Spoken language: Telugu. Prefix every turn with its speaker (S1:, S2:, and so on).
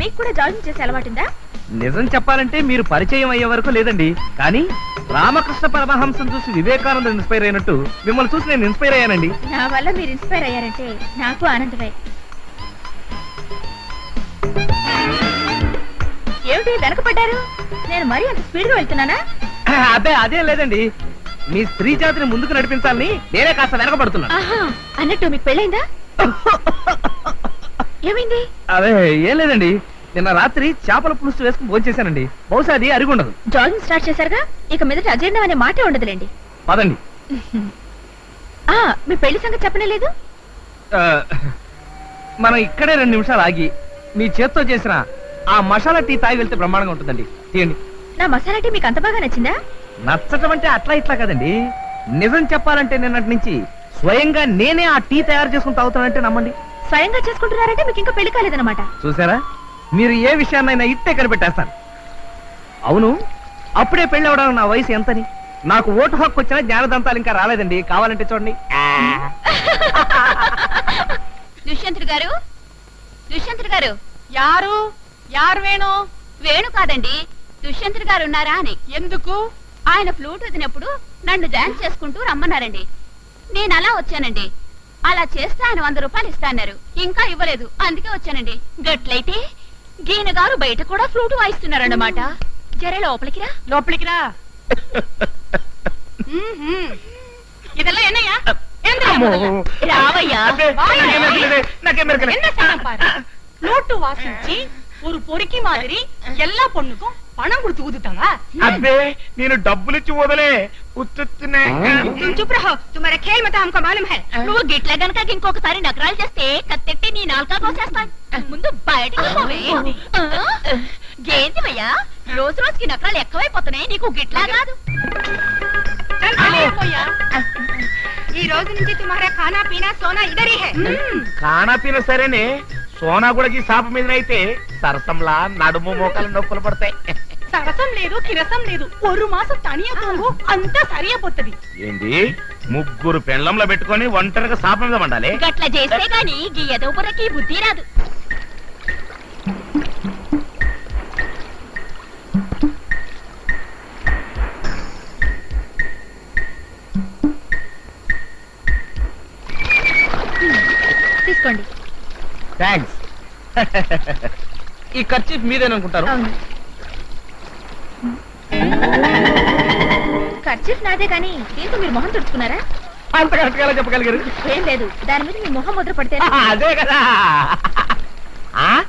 S1: మీకు కూడా జాగింగ్ చేసే అలవాటుందా?
S2: నిజం చెప్పాలంటే మీరు పరిచయం అయ్యే వరకు లేదండి, కానీ రామకృష్ణ పరమహంసం చూసి వివేకానంద ఇన్స్పైర్ అయినట్టు మిమ్మల్ని చూసి నేను ఇన్స్పైర్ అయ్యానండి.
S1: నా వల్ల మీరు ఇన్స్పైర్ అయ్యారంటే నాకు ఆనందమే. ఏమిటి వెనకపడ్డారు? నేను మరీ అంత స్పీడ్ గా వెళ్తున్నానా?
S2: అదే అదే లేదండి, మీ స్త్రీ జాతిని ముందుకు నడిపించాలని నేనే కాస్త వెనకబడుతున్నాను.
S1: అన్నట్టు మీకు పెళ్ళైందా? ఏమైంది?
S2: అదే ఏం లేదండి, నిన్న రాత్రి చేపల పులుసు వేసుకుని భోంచేశానండి. బహుశా అది అరిగుండదు.
S1: జాగింగ్ స్టార్ట్ చేశారుగా, ఇక మీదట అజీర్ణం అనే మాటే ఉండదులేండి.
S2: పదండి.
S1: మీ పెళ్లి సంగతి చెప్పనే లేదు.
S2: మనం ఇక్కడే 2 నిమిషాలు ఆగి మీ చేత్తో చేసిన ఆ మసాలా టీ తాగి వెళ్తే బ్రహ్మాండంగా ఉంటుందండి. తీయండి.
S1: నా మసాలా టీ మీకు అంత బాగా నచ్చిందా?
S2: నచ్చటం అంటే అట్లా ఇట్లా కదండి, నిజం చెప్పాలంటే నిన్నటి నుంచి స్వయంగా నేనే ఆ టీ తయారు చేసుకుని తాగుతానంటే నమ్మండి.
S1: స్వయంగా చేసుకుంటున్నారంటే మీకు ఇంకా పెళ్లి కాలేదన్నమాట.
S2: చూసారా, మీరు ఏ విషయాన్నైనా ఇట్టే కనిపెట్టేస్తాను. అవును, అప్పుడే పెళ్లి అవడానికి నా వయసు ఎంతని? నాకు ఓటు హక్కు వచ్చినా జ్ఞానదంతాలు ఇంకా రాలేదండి. కావాలంటే చూడండి.
S1: దుష్యంతుడు గారు, దుష్యంతుడు గారు. యారు వేణు? వేణు కాదండి, దుష్యంతుడు గారు ఉన్నారా అని. ఎందుకు? ఆయన ఫ్లూట్ వదినప్పుడు నన్ను డాన్స్ చేసుకుంటూ రమ్మన్నారండి. నేను అలా వచ్చానండి. అలా చేస్తే ఆయన 100 రూపాయలు ఇస్తాన్నారు, ఇంకా ఇవ్వలేదు, అందుకే వచ్చానండి. గట్లయితే గీన గారు బయట కూడా ఫ్లూట్ వాయిస్తున్నారన్నమాట. జరే లోపలికి రా. లోపలికి రా. ఇదెల్లా ఎన్నయ్యా? రావయ్యా.
S3: ఫ్లூட் வாசிச்சு ஒரு பொறுக்கி மாதிரி எல்லா பொண்ணுக்கும் பணம் கொடுத்து ஊதுட்டாங்க.
S2: అబ్బే నేను డబ్బులు ఇచ్చి వదలే ఉత్తునే.
S3: चुप रहो, तुम्हारा खेल मत हमको मालूम है.
S1: నువ్వు గిట్ల గనక ఇంకొకసారి నగరాలు చేస్తే కత్తెట్టి నీ నాలుక కోసేస్తాను. ముందు బయటకు పోవే. గేందివయ్యా, రోజు రోజుకి నగరాలు ఎక్కువైపోతున్నాయి, నీకు గిట్లా కాదు.
S3: ఈ రోజు నుంచి तुम्हारा खाना पीना सोना इधर ही है.
S2: खाना पीना సరేనే, సోనా కూడా సాప మీద అయితే సరసంలా నడుము మోకాలు నొప్పులు పడతాయి.
S3: సరసం లేదు, కిరసం లేదు, 1 మాసం తనియా తోంగు అంతా సరియా పోతది.
S2: ఏంది, 3 పెండ్లంలో పెట్టుకొని ఒంటరిగా సాప మీద వండాలి?
S1: గట్ల చేస్తే గాని గీ ఎదవపురకి బుద్ధి రాదు. తీసుకోండి.
S2: థ్యాంక్స్. ఈ ఖర్చు మీదేననుకుంటారు.
S1: ఖర్చీఫ్ నాదే కానీ దీంతో మీరు మొహం తుడుచుకున్నారా?
S2: అంత కరెక్ట్ గా చెప్పగలిగారు.
S1: ఏం లేదు, దాని మీద మీ మొహం ముద్ర పడితే.
S2: అదే కదా.